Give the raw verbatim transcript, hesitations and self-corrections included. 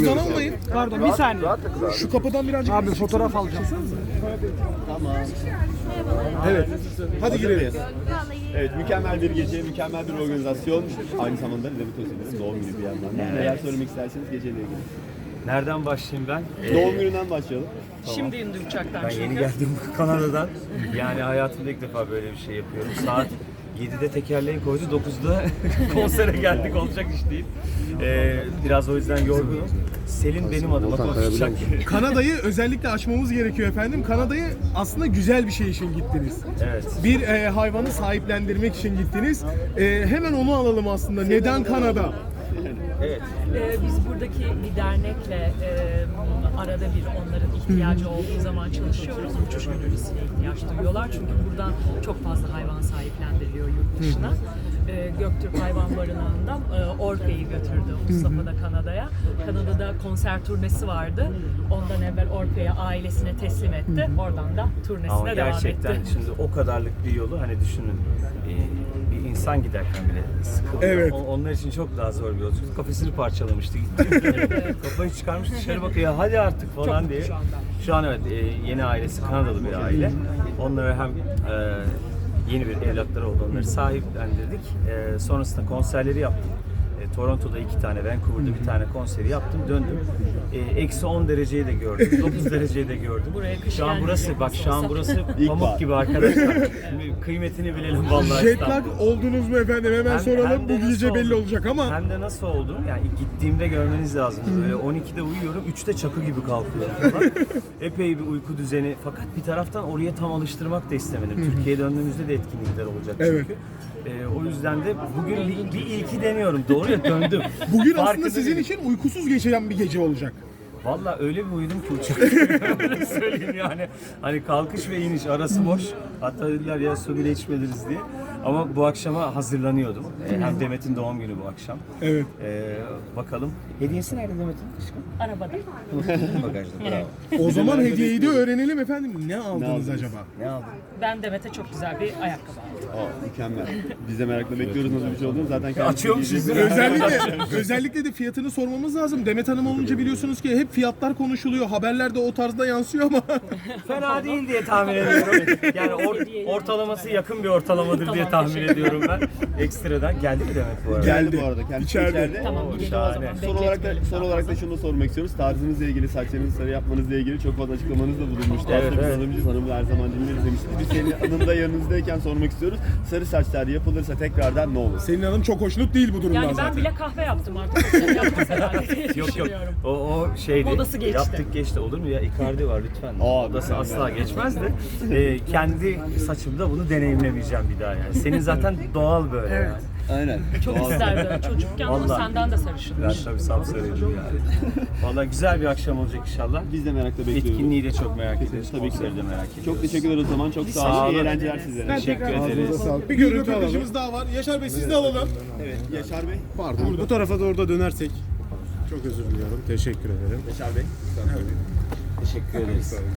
Cüzdan almayın. Pardon bir saniye. Şu kapıdan birazcık... Abi fotoğraf alacağım. Tamam. Evet. Hadi girelim. Evet, mükemmel bir gece, mükemmel bir organizasyon. Aynı zamanda Demet Özdemir'in doğum günü bir yandan da. Neler söylemek isterseniz geceyle ilgili. Nereden başlayayım ben? Doğum gününden başlayalım. Şimdi indi uçaktan Ben çünkü. yeni geldim Kanada'dan. Yani hayatımda ilk defa böyle bir şey yapıyorum. Saat yedide tekerleği koydu, dokuzda konsere geldik, olacak iş değil. Ee, biraz o yüzden yorgunum. Selin benim adıma konuşacak. Kanada'yı özellikle açmamız gerekiyor efendim. Kanada'yı aslında güzel bir şey için gittiniz. Evet. Bir e, hayvanı sahiplendirmek için gittiniz. E, hemen onu alalım aslında. Neden Kanada? Evet. Ee, biz buradaki bir dernekle e, arada bir onların ihtiyacı olduğu zaman çalışıyoruz. Uçuş gönüllüsüne ihtiyaç duyuyorlar. Çünkü buradan çok fazla hayvan sahiplendiriliyor yurt dışına. Ee, Göktürk Hayvan Barınağı'ndan e, Orpe'yi götürdü Mustafa da Kanada'ya. Kanada'da konser turnesi vardı. Ondan evvel Orpe'yi ailesine teslim etti. Oradan da turnesine Ama devam gerçekten etti. şimdi o kadarlık bir yolu hani düşünün. e, Bir insan giderken bile sıkılıyor. Evet. O- Onlar için çok daha zor bir yolculuk. Kafesini parçalamıştı. Kafayı çıkarmış dışarı bakıyor. Hadi artık falan Çok diye. mutlu şu anda. Şu an evet e, yeni ailesi Kanadalı bir aile. Onlara hem e, yeni bir evlatları oldu. Onları sahiplendirdik. E, sonrasında konserleri yaptım. E, Toronto'da iki tane, Vancouver'da bir tane konseri yaptım, döndüm. E, Eksi on dereceyi de gördüm, dokuz dereceyi de gördüm. Buraya kış Şu an gelmeyecek burası, bak şu an olsa. burası İlk pamuk var. gibi arkadaşlar. Şimdi kıymetini bilelim vallahi. Jet lag İstanbul'da. oldunuz mu efendim? Hemen Hem- soralım. hem de Bu gece nasıl belli oldu? olacak ama. Hem de nasıl oldu? Yani gittiğimde görmeniz lazım. Böyle on ikide uyuyorum, üçte çakı gibi kalkıyorum falan. Epey bir uyku düzeni. Fakat bir taraftan oraya tam alıştırmak da istemedim. Türkiye'ye döndüğümüzde de etkinlikler olacak çünkü. Evet. Ee, o yüzden de bugün bir, bir ilki deniyorum. Doğru ya, döndüm. Bugün Farkında aslında sizin değilim. için uykusuz geçen bir gece olacak. Valla öyle bir uyudum ki uçakta. Öyle söyleyeyim yani. Hani kalkış ve iniş arası boş. Hatta dediler ya su bile içmediniz diye. Ama bu akşama hazırlanıyordum. Ee, hem Demet'in doğum günü bu akşam. Evet. Ee, bakalım. Hediyesi nerede Demet'in? Aşkım? Arabada. Bagajda. Bravo. O zaman hediyeyi de öğrenelim efendim. Ne aldınız aldınız? acaba? Ne aldın? Ben Demet'e çok güzel bir ayakkabı aldım. Aa, mükemmel. Biz de merakla bekliyoruz nasıl bir şey olduğunu. Zaten kendisi Açıyormuşuz. giyecek. Özellikle özellikle de fiyatını sormamız lazım. Demet Hanım olunca biliyorsunuz ki hep fiyatlar konuşuluyor. Haberlerde o tarzda yansıyor ama Fena değil diye tahmin ediyorum. Yani or- ortalaması yakın bir ortalamadır diye tahmin ediyorum ben. Ekstradan geldi mi Demet bu arada? Geldi bu arada. Kendisi İçeride. içeride. Tamam gidelim o şahane. zaman. Son olarak da Bekletmeyelim son daha olarak da fazla. şunu da sormak istiyoruz. Tarzınızla ilgili, saçlarınızı sarı yapmanızla ilgili çok fazla açıklamanızda bulunmuştu. Evet, Aslında biz evet. hanımcıyız, hanımı her zaman dinleriz demiştik. Biz senin anında yanınızdayken sormak istiyoruz. Sarı saçlar yapılırsa tekrardan ne olur? Selin Hanım çok hoşnut değil bu durumdan Yani ben zaten. bile kahve yaptım artık. O sene yapmaz herhalde diye Yok yok. düşünüyorum. O, o şeydi. Modası geçti. Yaptık geçti. Olur mu ya? Icardi var lütfen. Aa, Modası mükemmel. asla geçmez de. Ee, kendi saçımda bunu deneyimlemeyeceğim bir daha yani. Senin zaten doğal böyle yani. Aynen. Çok isterdim çocukken ama Vallahi. senden de sarışınmış. Ben tabii sapsarıydım yani. Valla güzel bir akşam olacak inşallah. Biz de merakla bekliyoruz. Etkinliği de çok merak ediyoruz. Tabii ki. Konseri de merak ediyoruz. Çok teşekkür ederiz o zaman. Çok sağ Sağ olun. İyi olun. eğlenceler sizlere. Ben Teşekkür tekrar ederiz. ağzınıza sağlık. Bir görüntü röportajımız daha var. Yaşar Bey siz de alalım. Evet. Yaşar Bey. Pardon. Bu tarafa doğru da dönersek. Çok özür diliyorum. Teşekkür ederim. Yaşar Bey. Teşekkür ederiz.